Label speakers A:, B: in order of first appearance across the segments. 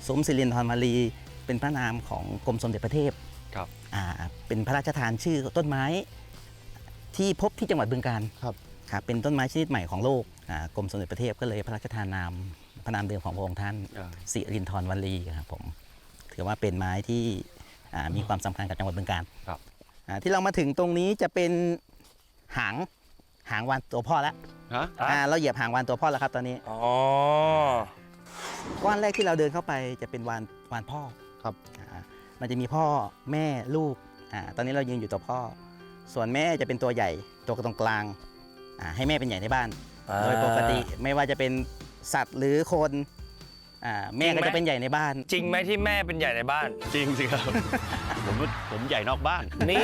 A: สมศิรินทรมารีเป็นพระนามของกรมสมเด็จพระเทพ
B: ครับ
A: เป็นพระราชทานชื่อต้นไม้ที่พบที่จังหวัดบึงกาฬ
C: ครับ
A: เป็นต้นไม้ชนิดใหม่ของโลกกรมสมเด็จพระเทพก็เลยพระราชทานนามพระนามเดิมของพระองค์ท่านศิรินทรวลีครับผมถือว่าเป็นไม้ที่มีความสำคัญกับจังหวัดบึงกาฬที่เรามาถึงตรงนี้จะเป็นหางวานตัวพ่อแล้วเราเหยียบหางวานตัวพ่อแล้วครับตอนนี้ก้อนแรกที่เราเดินเข้าไปจะเป็นวานพ่อ
C: ครับ
A: มันจะมีพ่อแม่ลูกตอนนี้เรายืนอยู่ตัวพ่อส่วนแม่จะเป็นตัวใหญ่ตัวตรงกลางให้แม่เป็นใหญ่ในบ้านโดยปกติไม่ว่าจะเป็นสัตว์หรือคนแม่ก็จะเป็นใหญ่ในบ้าน
B: จริงไหมที่แม่เป็นใหญ่ในบ้าน
D: จริงสิครับ ผมใหญ่นอกบ้าน
B: นี่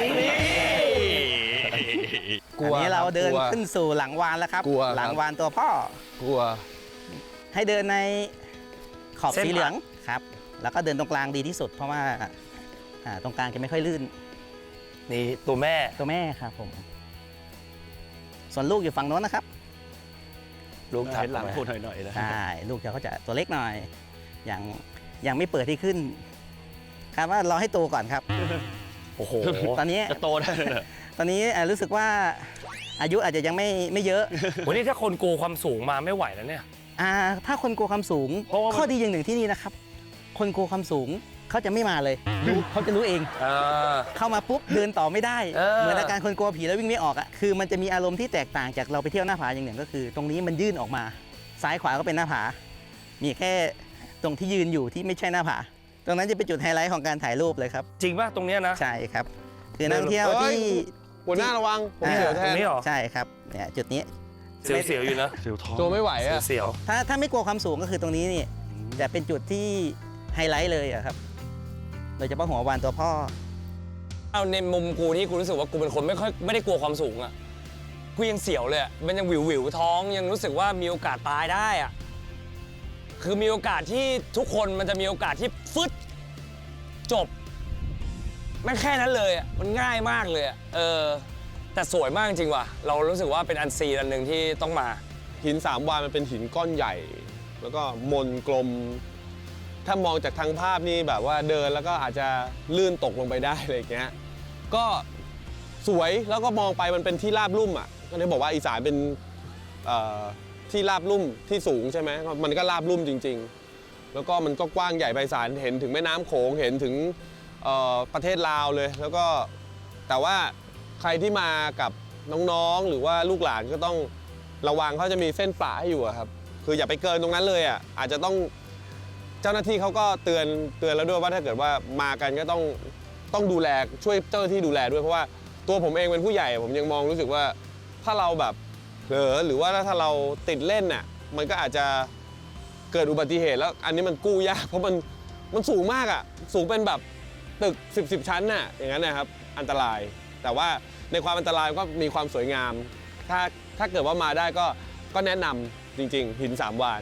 A: อันนี้เราเดินขึ้นสู่หลังวานแล้วครับหลังวานตัวพ่อก
C: ลัว
A: ให้เดินในขอบสีเหลืองครับแล้วก็เดินตรงกลางดีที่สุดเพราะว่าตรงกลางจะไม่ค่อยลื่น
B: นี่ตัวแม่
A: ครับผมส่วนลูกอยู่ฝั่งโน้นนะครับ
D: ลูกเห็นหลังพูดหน่อยๆนะ
A: ใช่ลูกเขาจะตัวเล็กหน่อยยังไม่เปิดที่ขึ้นครับว่ารอให้โตก่อนครับ
B: โอ้โห
A: ตอนนี้
D: จะโตได้
A: ตอนนี้รู้สึกว่าอายุอาจจะยังไม่เยอะ
B: วันนี้ถ้าคนกลัวความสูงมาไม่ไหวแล้วเนี่ย
A: ถ้าคนกลัวความสูงข้อดีอย่างหนึ่งที่นี่นะครับคนกลัวความสูงเขาจะไม่มาเลยเขาจะรู้เองเข้ามาปุ๊บเดินต่อไม่ได้เหมือนอาการคนกลัวผีแล้ววิ่งไม่ออกคือมันจะมีอารมณ์ที่แตกต่างจากเราไปเที่ยวหน้าผาอย่างหนึ่งก็คือตรงนี้มันยื่นออกมาซ้ายขวาก็เป็นหน้าผามีแค่ตรงที่ยืนอยู่ที่ไม่ใช่หน้าผาตรงนั้นจะเป็นจุดไฮไลท์ของการถ่ายรูปเลยครับ
B: จริงป่ะตรงนี้นะ
A: ใช่ครับคือนักท่องเที่ยวที่
C: หัวหน้าระวังผมเสียวแทน
B: ตรงนี้หรอ
A: ใช่ครับเนี่ยจุดนี้
B: เสียวอยู่นะ
D: เสียวท้อง
C: ตัวไม่ไหว
B: เสียว
A: ถ้าไม่กลัวความสูงก็คือตรงนี้นี่จะเป็นจุดที่ไฮไลท์เลยครับโดยเฉพาะหัววานตัวพ่อ
B: เอาในมุมกูที่กูรู้สึกว่ากูเป็นคนไม่ได้กลัวความสูงอ่ะกูยังเสียวเลยมันยังวิวท้องยังรู้สึกว่ามีโอกาสตายได้อ่ะคือมีโอกาสที่ทุกคนมันจะมีโอกาสที่ฟึดจบไม่แค่นั้นเลยมันง่ายมากเลยแต่สวยมากจริงว่ะเรารู้สึกว่าเป็นอันซีนอันหนึ่งที่ต้องมา
C: หิน3 วานมันเป็นหินก้อนใหญ่แล้วก็มนกลมถ้ามองจากทางภาพนี่แบบว่าเดินแล้วก็อาจจะลื่นตกลงไปได้อะไรอย่างเงี้ยก็สวยแล้วก็มองไปมันเป็นที่ราบลุ่มก็ได้บอกว่าอีสานเป็นที่ราบลุ่มที่สูงใช่ไหมมันก็ราบลุ่มจริงๆแล้วก็มันก็กว้างใหญ่ไพศาลเห็นถึงแม่น้ำโขงเห็นถึงประเทศลาวเลยแล้วก็แต่ว่าใครที่มากับน้องๆหรือว่าลูกหลานก็ต้องระวังเขาจะมีเส้นป่าให้อยู่ครับคืออย่าไปเกินตรงนั้นเลยอาจจะต้องเจ้าหน้าที่เขาก็เตือนแล้วด้วยว่าถ้าเกิดว่ามากันก็ต้องดูแลช่วยเจ้าหน้าที่ดูแลด้วยเพราะว่าตัวผมเองเป็นผู้ใหญ่ผมยังมองรู้สึกว่าถ้าเราแบบเผลอหรือว่าถ้าเราติดเล่นมันก็อาจจะเกิดอุบัติเหตุแล้วอันนี้มันกู้ยากเพราะมันสูงมากสูงเป็นแบบตึก10ชั้นอย่างนั้นนะครับอันตรายแต่ว่าในความอันตรายก็มีความสวยงามถ้าเกิดว่ามาได้ก็แนะนำจริงๆหิน3 วาน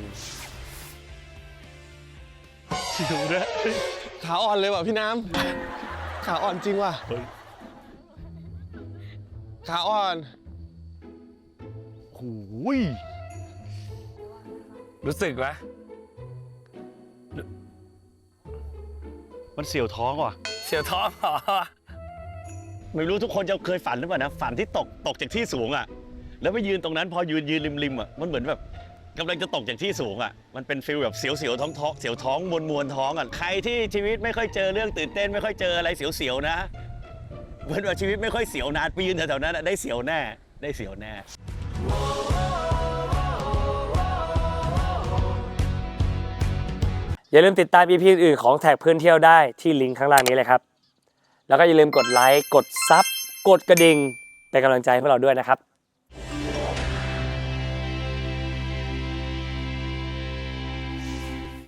D: ดูนะ
C: ขาอ่อนเลยว่ะพี่น้ำขาอ่อนจริงว่ะขาอ่อน
D: โอ้ย
B: รู้สึกไหม
D: มันเสียวท้องว่ะ
B: เสียวท้องเหรอ
D: ไม่รู้ทุกคนจะเคยฝันหรือเปล่านะฝันที่ตกจากที่สูงแล้วไปยืนตรงนั้นพอยืนริมมันเหมือนแบบกำลังจะตกจากที่สูงมันเป็นฟีลแบบเสียวท้องเสียวท้องมวนท้องใครที่ชีวิตไม่ค่อยเจอเรื่องตื่นเต้นไม่ค่อยเจออะไรเสียวนะเหมือนว่าชีวิตไม่ค่อยเสียวนานไปยืนแถวๆนั้นได้เสียวแน่
B: อย่าลืมติดตาม EP อื่นของแท็กเพื่อนเที่ยวได้ที่ลิงก์ข้างล่างนี้เลยครับแล้วก็อย่าลืมกดไลค์กดซับกดกระดิ่งเป็นกำลังใจให้พวกเราด้วยนะครับ